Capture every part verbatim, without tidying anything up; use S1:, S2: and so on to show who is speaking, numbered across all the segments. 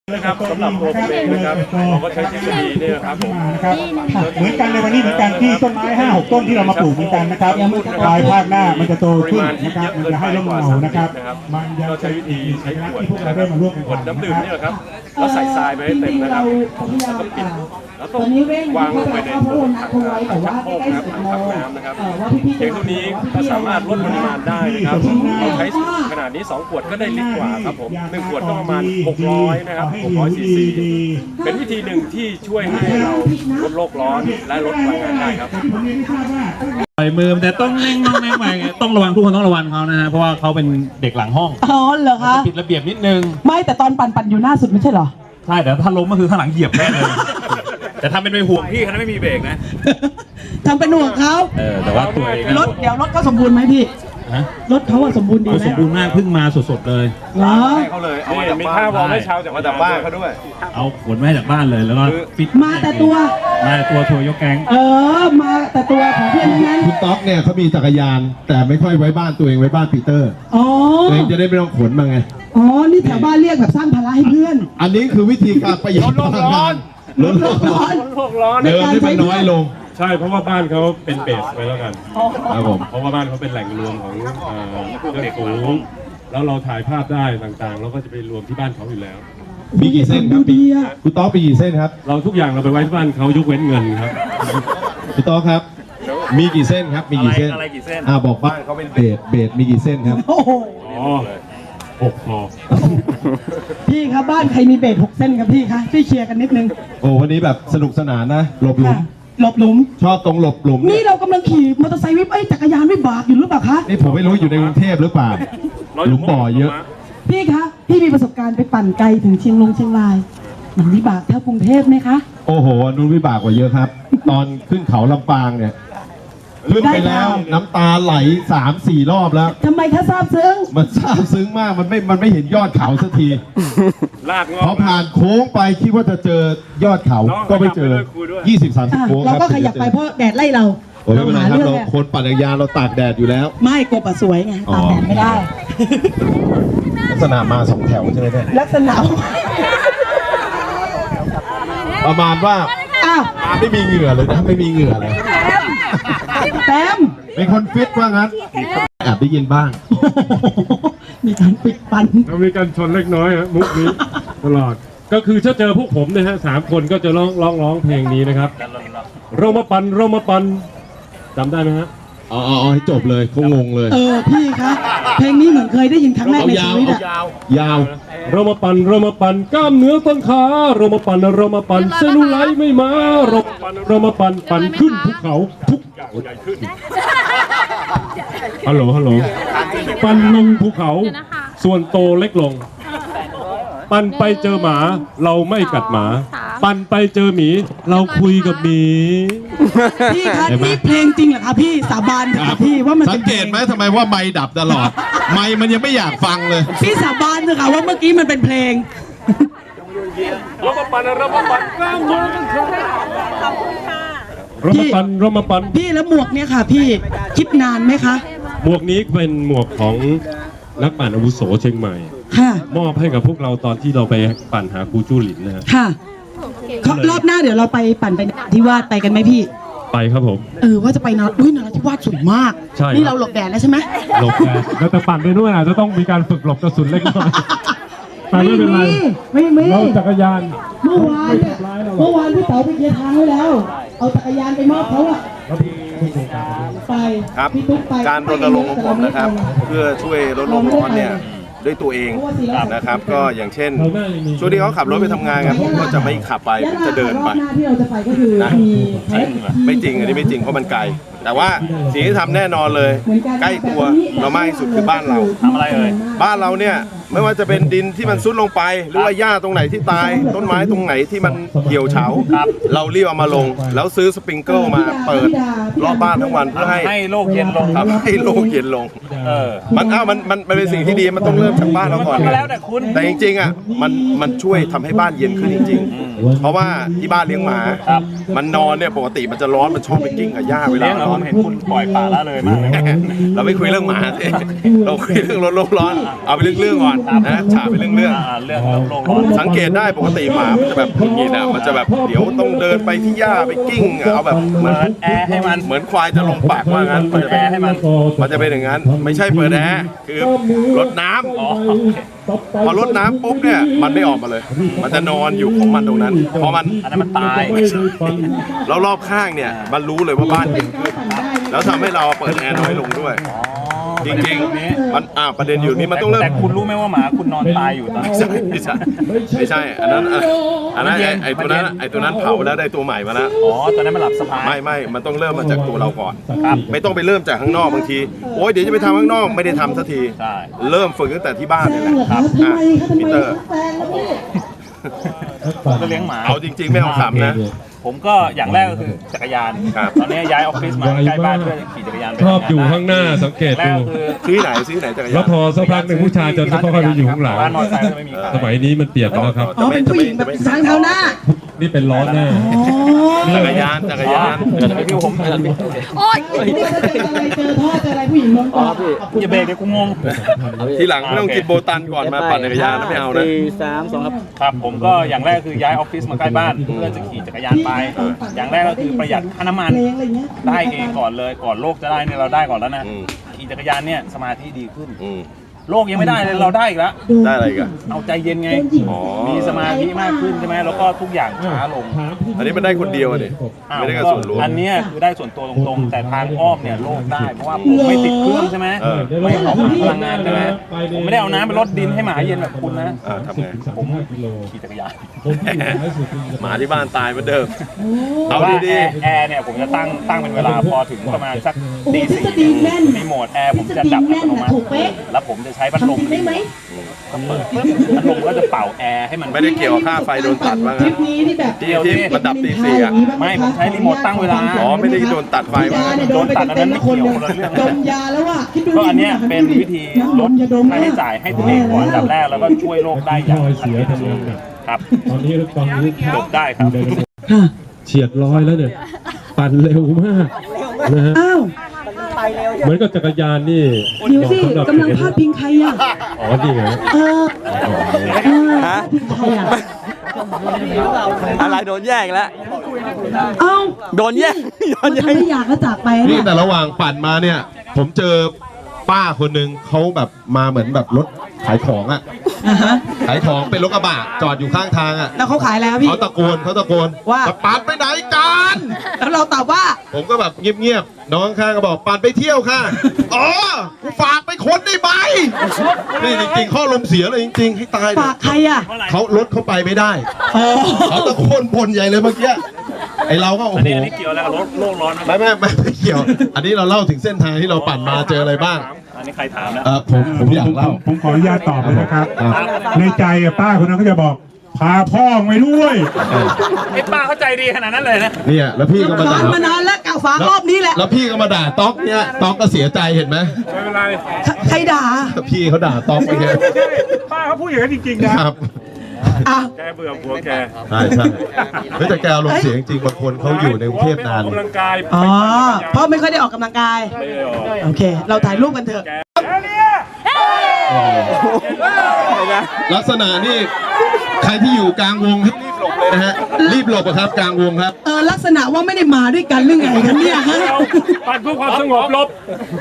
S1: นะครับสำหรับตัวผมเองนะครับเราก็ใช้เทคโนโลยีนี่นะครับผม
S2: นะครับเหมือนกันในวันนี้เหมือนกันที่ต้นไม้ห้าหกต้นที่เรามาปลูกเหมือนกันนะครับภายภาคหน้ามันจะโตขึ้นนะครับมันจะให้ร่มเงานะครับมันยังใช้วิธีใช้ที่พวกเราได้มาร่วมกัน
S1: ขวดน้ำดื่มนี่แหละครับแล้วใส่ทรายไปให้เต็มนะครับแล้วก็ปิดแล้วต้องวางลงไปในถังถังชักโครกนะครับถังพักน้ำนะครับเทคโนโลยีก็สามารถลดปริมาณได้นะครับเราใช้ขนาดนี้สองขวดก็ได้ลิตรกว่าครับผมหนึ่งขวดก็ประมาณหกร้อยนะครับหกร้อยซีซีเป็นวิธีหนึ่งที่ช่วยให้เราลดโลกร้อนและลดพลังงานได้ครับ
S3: ปล่อยมือแต่ต้องเล่งต้องเล่งไปต้องระวังทุกคนต้องระวังเขานะฮะเพราะว่าเขาเป็นเด็กหลังห้อง
S4: อ๋อเหรอคะ
S3: ผิดระเบียบนิดนึง
S4: ไม่แต่ตอนปั่นปั่นอยู่หน้าสุดไม่ใช่เหรอ
S3: ใช่แต่ถ้าล้มก็คือข้างหลังเหยียบแน่เลยแต่ทำเป็นไปห่วงพี่เขาไม่มีเบรกนะ
S4: ทำเป็นห่วงเขา
S3: เออแต่ว่าตัวเอง
S4: รถเดี๋ยวรถเขาสมบูรณ์ไหมพี่รถเขาสมบูรณ์ดีไหม
S3: สมบูรณ์มากเพิ่งมาสดๆเลย
S4: เหรอ
S1: ให้เขาเลยเอามีข้าววอลให้ชาวจากมาจากบ้านเขาด้วย
S3: เอาขนมาให้จากบ้านเลยแล้วก็
S4: ปิดมาแต่ตัว
S3: มาแต่ตัวทัวร์ยกแก๊ง
S4: เออมาแต่ตัวของเพื่อนนั้น
S5: คุณต๊อกเนี่ยเขามีจักรยานแต่ไม่ค่อยไว้บ้านตัวเองไว้บ้านปีเตอร์
S4: อ๋อ
S5: ตัวเองจะได้ไม่ต้องขนมาไง
S4: อ๋อนี่แถวบ้านเรียกแบบสร้างภาระให้เพื่อน
S5: อันนี้คือวิธีการประหยัดพลังงานลดโลกร้อนเดิมที่มันน้อยลง
S1: ใช่เพราะว่าบ้านเขาเป็นเบสไว้แล้วกัน
S5: ครับผม
S1: เพราะว่าบ้านเขาเป็นแหล่งรวมของเครื่องสูงแล้วเราถ่ายภาพได้ต่างๆเราก็จะไปรวมที่บ้านเขาอยู่แล้ว
S5: มีกี่เส้นครับคุณต๊อกมีกี่เส้นครับ
S1: เราทุกอย่างเราไปไว้ที่บ้านเขายกเว้นเงินครับ
S5: คุณต๊อกครับมีกี่เส้นครับมีกี่เส้น
S3: อะไรกี่เส้น
S5: อ่าบอกบ้านเขาเป็นเบสเบสมีกี่เส้นครับ
S4: โอ้โห
S1: หกพอ
S4: พี่ครับบ้านใครมีเบสหกเส้นครับพี่คะช่วยเคลียร์กันนิดนึง
S5: โอ้วันนี้แบบสนุกสนานนะหลบหลุม
S4: หลบหลุม
S5: ชอบตรงหลบหลุม
S4: นี่เรากำลังขี่มอเตอร์ไซค์วิบไอ้จักรยานวิบากอยู่หรือเปล่าคะ
S5: นี่ผมไม่รู้อยู่ในกรุงเทพหรือเปล่าหลุมบ่อเยอะ
S4: พี่คะพี่มีประสบการณ์ไปปั่นไกลถึงเชียงรายเชียงรายมันวิบากเท่ากรุงเทพไหมคะ
S5: โอ้โหนุ่นวิบากกว่าเยอะครับ ตอนขึ้นเขาลำปางเนี่ยขึ้นไปแล้วน้ำตาไหลสามสี่รอบแล้ว
S4: ทำไมคะซาบซึ้ง
S5: มันซาบซึ้งมากมันไม่มันไม่เห็นยอดเขาสักที
S1: ลากงอ
S5: พอผ่านโค้งไปคิดว่าจะเจอยอดเขาก็ไม่เจอยี่สิบสามสิบโค้ง
S4: เราก็ขยับไปเพราะแดดไล่เรา
S5: โอ้ยไม่เป็นไรครับเราคนปั่นจักรยานเราตากแดดอยู่แล้ว
S4: ไม่กบอะสวยไงตากแดดไม่ได้
S5: ลักษณะมาสองแถวใช่ไหมเนี่ย
S4: ลักษณะ
S5: ประมาณว่า
S4: อ้าว
S5: ไม่มีเหงื่อเลยนะไม่มีเหงื่อเลย
S4: แต้ม
S5: เป็นคนฟิตว่างั้นแอบได้ยินบ้าง
S4: มีการปิดปัน
S1: มีการชนเล็กน้อยฮะมุกนี้ตลอดก็คือถ้าเจอพวกผมนะฮะสามคนก็จะร้องร้องร้องเพลงนี้นะครับเรามาปันเรามาปันจำได้ไหมฮะ
S5: อ๋อเอาให้จบเลยเขางงเลย
S4: เออพี่คะเพลงนี้เหมือนเคยได้ยินครั้งแรกในชีวิตอะ
S5: ยาว
S1: เรามาปันเรามาปันกล้ามเนื้อต้นขาเรามาปันเรามาปันเซลลูไลท์ไม่มาเราปันเรามาปันปันขึ้นภูเขาทุกอย่างใหญ่ขึ้นฮัลโหลฮัลโหลปันลงภูเขาส่วนโตเล็กลงปันไปเจอหมาเราไม่กัดหมาปันไปเจอหมีเราคุยกับหมี
S4: พี่คะนี่เพลงจริงเหรอคะพี่สาบานค่ะพี่ว่ามัน
S5: สังเกตไหมทำไมว่าไมค์ดับตลอดไมค์มันยังไม่อยากฟังเลย
S4: พี่สาบานเลยค่ะว่าเมื่อกี้มันเป็นเพลง
S1: เรามาปันเรามาปันกล้ามเนื้อกันค่ะเรามาปันเรามาปัน
S4: พี่แล้วหมวกเนี่ยค่ะพี่คิดนานไหมคะ
S1: หมวกนี้เป็นหมวกของนักปั่นอาวุโสเชียงใหม่มอบให้กับพวกเราตอนที่เราไปปั่นหาครูจู้หลินนะฮะ
S4: ค่ะรอบหน้าเดี๋ยวเราไปปั่นไปที่วาดไปกันไหมพี่
S1: ไปครับผม
S4: เออว่าจะไปนอนอุ้ยนอนที่วาดสวยมาก
S1: ใช่
S4: นี่เราหลบแดดแล้วใช่ไหม
S1: หลบแดดแล้วแต่ปั่นไปด้วยอาจจะต้องมีการฝึกหลบกระสุนเล็กน้อย
S4: ไม่เป็นไรไม่ไม่
S1: เราจักรยาน
S4: เมื่อวานเมื่อวานพี่เต๋อไปเคลียร์ทางไว้แล้วเอาจักรยานไปมอบเขาอะไป
S6: ครับการรณรงค์ของผมนะครับเพื่อช่วยลดโลกร้อนเนี่ยด้วยตัวเองนะครับก็อย่างเช่นช่วงที่เขาขับรถไปทำงานกันผมก็จะไม่ขับไปผมจะเดินไปนะไม่จริงอันนี้ไม่จริงเพราะมันไกลแต่ว่าสิ่งที่ทำแน่นอนเลยใกล้ตัวเรามากที่สุดคือบ้านเรา
S3: ทำอะไรเอ่ย
S6: บ้านเราเนี่ยไม่ว่าจะเป็นดินที่มันซุดลงไปหรือว่าหญ้าตรงไหนที่ตายต้นไม้ตรงไหนที่มันเหี่ยวเฉาเรารีบเอามาลงแล้วซื้อสปริงเกิลมาเปิดรอบบ้านทั้งวันเพื่อให้
S3: ให้โลกเย็นลง
S6: ครับให้โลกเย็นลงมันอ้าวมันมันมันเป็นสิ่งที่ดีมันต้องเริ่มจากบ้านเราก่อน
S3: แล้วแต่คุณ
S6: แต่จริงๆอ่ะมันมันช่วยทำให้บ้านเย็นขึ้นจริงๆเพราะว่าที่บ้านเลี้ยงหมามันนอนเนี่ยปกติมันจะร้อนมันชอบไปกิ้งกับหญ้าเวลา
S3: ผมเห็นคุณปล่อยปละละเลยมากเลย
S6: เราไม่คุยเรื่องหมาสิเราคุยเรื่องรถโลกร้อนเอาไปเรื่องๆก่อนนะฉาไปเรื่องๆ
S3: อ่าเรื่องโลกร้อน
S6: สังเกตได้ปกติหมามันจะแบบหงุดหงิดอ่ะมันจะแบบเดี๋ยวต้องเดินไปที่หญ้าไปกิ้งเอาแบบเหมือน
S3: เปิดแอร์ให้มัน
S6: เหมือนควายจะลงปากว่างั้นมันจะเป็น
S3: แอร์ให้มัน
S6: มันจะเป็นอย่างนั้น ไม่ใช่เปิดแอร์คือรดน้ำ
S3: อ๋อโอเค
S6: พอรดน้ำปุ๊บเนี่ยมันไม่ออกมาเลย มันจะนอนอยู่ของมันตรงนั้นพอมัน
S3: อันนั้นมันตาย
S6: แล้วรอบข้างเนี่ยมันรู้เลยว่าบ้านเย็นขึ้นแล้วทำให้เราเปิดแอร์น้อยลงด้วย จริงๆมันอ่าประเด็นอยู่นี่มันต้องเริ่ม
S3: แต่คุณรู้ไหมว่าหมาคุณนอนตายอยู่ตอนนี้
S6: ไม่ใช่ไม่ใช่ไม่ใช่อันนั้นอ่ะอันนั้นไอ้ไอ้ตัวนั้นไอ้ตัวนั้นเผาแล้วได้ตัวใหม่มาแล้ว
S3: อ๋อตอนนั้นมันหลับสบาย
S6: ไม่ไม่มันต้องเริ่มมาจากตัวเราก่อน
S3: ครับ
S6: ไม่ต้องไปเริ่มจากข้างนอกบางทีโอ๊ยเดี๋ยวจะไปทำข้างนอกไม่ได้ทำสักที
S3: ใช่
S6: เริ่มฝึกตั้งแต่ที่บ้าน
S4: แซ
S6: นี่
S4: ง
S6: แหละ
S4: เหรอ
S6: ค
S4: คะ
S6: รับ
S4: ทำไมคะทำ
S6: พี
S4: ไม
S6: เตอร์
S4: แซงแล้วพี่
S3: ผมก็เลี้ยงหมา
S6: เอาจริงๆไม่เอาขำนะ
S3: ผมก็อย่างแรกก็คือจักรยาน
S6: ครับ
S3: ตอนนี้ย้ายออฟฟิศมาใกล้บ้านเพื่อขี่จักรยานไป
S5: ชอบอยู่
S3: ทำได้
S5: ข้างหน้าสังเกต
S3: แรก
S5: ดู
S3: ก็คือ
S6: ซื้อที่ไหนซื้อที่ไหนจักรยาน
S5: แล้วพอสักพักหนึ่งผู้ชายจะค่อยๆไปอยู่ข้างหลัง
S3: บ้านมอเตอร์ไซค์ก็ไม่มีขาย
S5: สมัยนี้มันเปลี่ยนไปแล้วครับ
S4: อ๋อเป็นผู้หญิงแบบทางเท้าหน้า
S5: นี่เป็นล้อหน้า
S4: อ๋อ
S6: จักรยานจักรยาน
S3: ไอพี่ผม
S4: โอ๊ยนี่ก็จะเจออะไรเจอท่อเจออะไรผู้หญิงโดนกอด
S3: อย่าเบรกเดี๋ยวกูงง
S6: ทีหลังไม่ต้องกินโบตันก่อนมาปั่นจักรยานนะไม่เอานะ
S7: สี่สามสองครับ
S3: ครับผมก็อย่างแรกคือย้ายออฟฟิศมาใกล้บ้านเพื่อจะขี่จักรยานไป อย่างแรกก็คือประหยัดค่าน้ำมัน
S4: เพลงอะไรเงี้ย
S3: ได้เองก่อนเลยก่อนโลกจะได้เนี่ยเราได้ก่อนแล้วนะ
S6: อืม
S3: ขี่จักรยานเนี่ยสมาธิดีขึ้น
S6: อืม
S3: โลกยังไม่ได้เลยเราได้อีกแล้ว
S6: ได้อะไรอีกัน
S3: เอาใจเย็นไง
S6: อ๋อ
S3: มีสมาธิมากขึ้นใช่ไหมแล้วก็ทุกอย่างช้าลง
S6: อันนี้มันได้คนเดียวอะดิ
S3: อ้าว
S6: ไม่ได้กับส่วนรวม
S3: อันเนี้ยคือได้ส่วนตัวตรงๆ แต่ทางอ้อมเนี่ยโลกได้เพราะว่าผมไม่ติดเครื่องใช่ไหม
S6: เออ
S3: ไม่เผาผลาญพลังงานใช่ไหมผมไม่ได้เอาน้ำไปรดดินให้หมาเย็นแบบคุณนะ
S6: อ่าทำไง
S3: ผมขี่จักรยาน
S6: หมาที่บ้านตายเหมือนเดิม
S3: แต่
S6: เอา
S3: ว่า
S6: ดี
S3: แอร์แอร์เนี่ยผมจะตั้งตั้งเป็นเวลาพอถึงประมาณสักตีสี่
S4: ทฤษฎีแน่น
S3: รีโมทแอร์ผมจะดับอัตโนมัติ
S4: ถูกเป๊ะ
S3: แล้วผมจะใช้พัดลม
S4: ทำได้ไหม
S3: เปิดปุ๊บพัดลมก็จะเป่าแอร์ให้มัน
S6: ๆไม่ได้เกี่ยวกับค่าไฟโดนตัดว่า
S4: ทริ
S6: งั้น
S4: ปนี้ที่แบบ
S6: ที่ที่มันดับตีสี่อะ
S3: ไม่ผมใช้รีโมทตั้งเวลา
S6: อ๋อไม่ได้โดนตัดไฟว่า
S4: ยา
S6: งั้น
S4: เนี่ยโดนไปเต็มๆแล้วคนยังดมยาแล้วอ่ะคิดดู
S3: ก็อันเนี้ยเป็นวิธีลดค่าใช้จ่ายให้ตัวเองก่อนอันดับแรกแล้วก็ช่วยโลกได้อย่างทันทีครับ
S5: ตอนนี้ตอนนี้
S3: จบได้ครับ
S5: เฉียดร้อยแล้วเนี่ย ปั่นเร็วมากนะฮะ
S4: อ้าว
S5: เหมือนกับจักรยานนี่
S4: เดี๋ยวสิกำลังพาดพิงใครอ่ะ
S5: อ๋อนี่ไง
S4: เออเออพาดพิงใครอ่ะ
S7: อะไรโดนแย่งแล้ว
S4: เอ้า
S7: โดนแย่งโด
S4: มัน น
S7: แย่
S4: ทำ
S7: ง
S4: ให้อยากก็จากไป
S5: นี่
S4: เนี่ย
S5: แต่ระหว่างปั่นมาเนี่ย ผมเจอป้าคนหนึ่งเขาแบบมาเหมือนแบบรถขายของอ่ะ
S4: อ่าฮะ
S5: ขายของเป็นรถกระบะจอดอยู่ข้างทางอ่ะ
S4: แล้วเขาขายอะไรครับพี่
S5: เขาตะโกนเขาตะโกน
S4: ว่า
S5: จะปั่นไปไหนกัน
S4: แล้วเราตอบว่า
S5: ผมก็แบบเงียบๆ น้องข้างก็บอกปั่นไปเที่ยวค่ะ อ๋อกูฝากไปคนได้ไหมนี่จริงๆข้อลมเสียเลยจริง ๆ ให้ตายเลย
S4: ฝากใครอ่ะ
S5: เขารถเขาไปไม่ได้
S4: อ๋อ
S5: เขาตะโกนบ่นใหญ่เลยเมื่อกี้ไอเราก็โอ้
S3: อัน
S5: โห
S3: นี้อันนี้เกี่ยวอะไรกับโลกโลกร้อนไหม
S5: ไม่ไม่ไม่ไม่เกี่ยว อันนี้เราเล่าถึงเส้นทางที่เราปั่นมาเจออะไรบ้าง
S3: อันนี้ใครถามนะ
S5: เออผมผมอยากเล่า
S2: ผมขออนุญาตตอบเลยนะครับ
S5: ครับ
S2: ในใจอะป้าคนนั้นก็จะบอก พาพ่อไปด้วย
S3: ไอ้ป้าเข้าใจดีขนาดนั้นเลยนะ
S5: เนี่ยแล้วพี่ก็มา
S4: ร้อ
S5: ด่าน
S4: มานานแล้วกล่าวฝากรอบนี้แหละ
S5: แล้วพี่ก็มาด่าต๊อกเนี่ยต๊อกก็เสียใจเห็นไหม
S1: ไม่เป็นไร
S4: ใครด่า
S5: พี่เขาด่าต๊อกไปเนี่ย
S1: ป้าเขาพูดอย่างนั้นจริงๆนะครับ
S4: อ่ะ
S1: แกเบื่อผัวแก
S5: ใช่ใช่เฮ้ยแต่แกอารมณ์เสียจริงๆบางคนเขาอยู่ในกรุงเทพนาน
S1: ออกกำลังกาย
S4: อ๋อ เพราะไม่ค่อยได้ออกกำลังกาย
S1: ไม่ได้ออก
S4: โอเค เราถ่ายรูปกันเถอะ
S5: ลักษณะนี่ใครที่อยู่กลางวงให้รีบหลบเลยนะฮะรีบหลบอะครับกลางวงครับ
S4: เออ ลักษณะว่าไม่ได้มาด้วยกันหรือไงกันเนี่ยฮะ
S1: ปั่นเพื่อความสงบลบ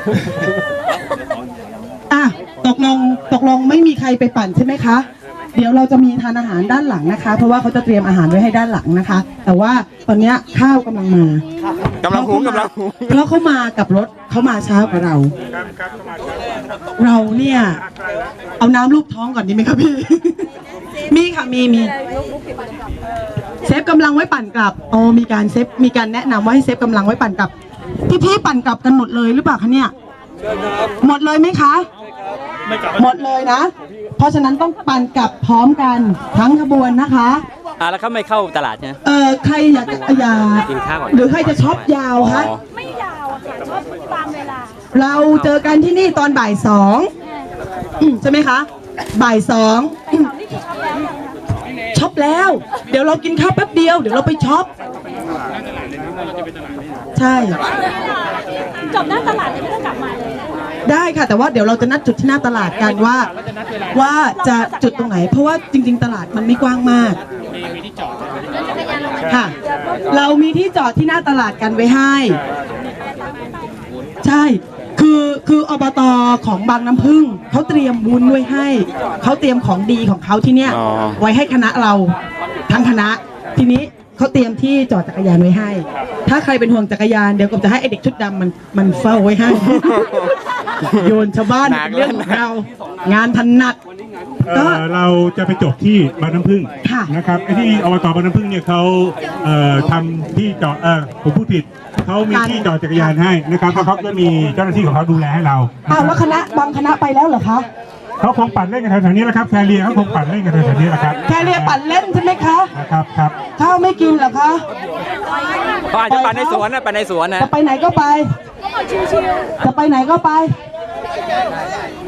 S4: อ่ะ ตกลง ตกลงไม่มีใครไปปั่นใช่ไหมคะ เดี๋ยวเราจะมีทานอาหารด้านหลังนะคะ เพราะว่าเขาจะเตรียมอาหารไว้ให้ด้านหลังนะคะ แต่ว่าตอนเนี้ยข้าวกำลังมาก
S7: ำลังหุงกำลังหุง
S4: เพราะเขามากับรถเขามาเช้ากว่าเรา เราเนี่ย เอาน้ำลูบท้องก่อนดีไหมครับพี่ มีค่ะ มีมีเซฟกำลังไว้ปั่นกลับโอ้มีการเซฟมีการแนะนำว่าให้เซฟกำลังไว้ปั่นกลับ พี่ๆปั่นกลับกันหมดเลยหรือเปล่าคะเนี่ย หมดเลยไหมคะ หมดเลยนะ เพราะฉะนั้นต้องปั่นกลับพร้อมกันทั้งขบวนนะคะ
S7: อ่ะแล้วเขาไม่เข้าตลาดใช่ไหม
S4: เออใครอยากจะอยาก
S7: กินข้าวก่อน
S4: หรือใครจะช็อปยาวคะ
S7: อ๋อ
S8: ไม่ยาวอะค่ะชอบตามเวลา
S4: เราเจอกันที่นี่ตอนบ่ายสองอืมใช่ไหมคะ บ่ายสองอืมช็อปแล้ว เดี๋ยวเรากินข้าวแป๊บเดียว เดี๋ยวเราไปช็อป ใช่
S8: จบหน้าตลาดจะไม่ต้องกลับมาเลย
S4: ได้ค่ะ แต่ว่าเดี๋ยวเราจะนัดจุดที่หน้าตลาดกันว่า ว่าจะจุดตรงไหน เพราะว่าจริง ๆ ตลาดมันไม่กว้างมากค่ะ เรามีที่จอดที่หน้าตลาดกันไว้ให้ ใช่ คือคืออบตของบางน้ำพึ่งเขาเตรียมบุญไว้ให้เขาเตรียมของดีของเขาที่เนี่ย
S7: อ๋อ
S4: ไว้ให้คณะเราทั้งคณะ ทีนี้เขาเตรียมที่จอดจักรยานไว้ให้ ถ้าใครเป็นห่วงจักรยานเดี๋ยวก็จะให้ไอเด็กชุดดำมันมันเฝ้าไว้ให้ โยนชาวบ้านเป็นเรื่องของเรา งานถนัด
S2: เอ่อเราจะไปจบที่บางน้ำพึ่ง
S4: ค่ะ
S2: นะครับไอ้ที่อบตบางน้ำพึ่งเนี่ยเขาเอ่อทำที่จอดเออผมพูดผิดเขามีที่จอดจักรยานให้นะครับแล้วเขาก็มีเจ้าหน้าที่ของเขาดูแลให้เรา
S4: อ้าวแล้วคณะบางคณะไปแล้วเหรอคะ
S2: เขาคงปั่นเล่นกันแถวๆนี้แหละครับแฟเรียเขาคงปั่นเล่นกันแถวๆนี้แหละครับ
S4: แค่เรียกปั่นเล่นใช่ไหมคะ
S2: นะครับครับ
S4: ข้าวไม่กินเหรอคะ
S7: เขาอาจจะปั่นในสวนนะปั่นในสวนนะ
S4: จะไปไหนก็ไป จะไปไหนก็ไป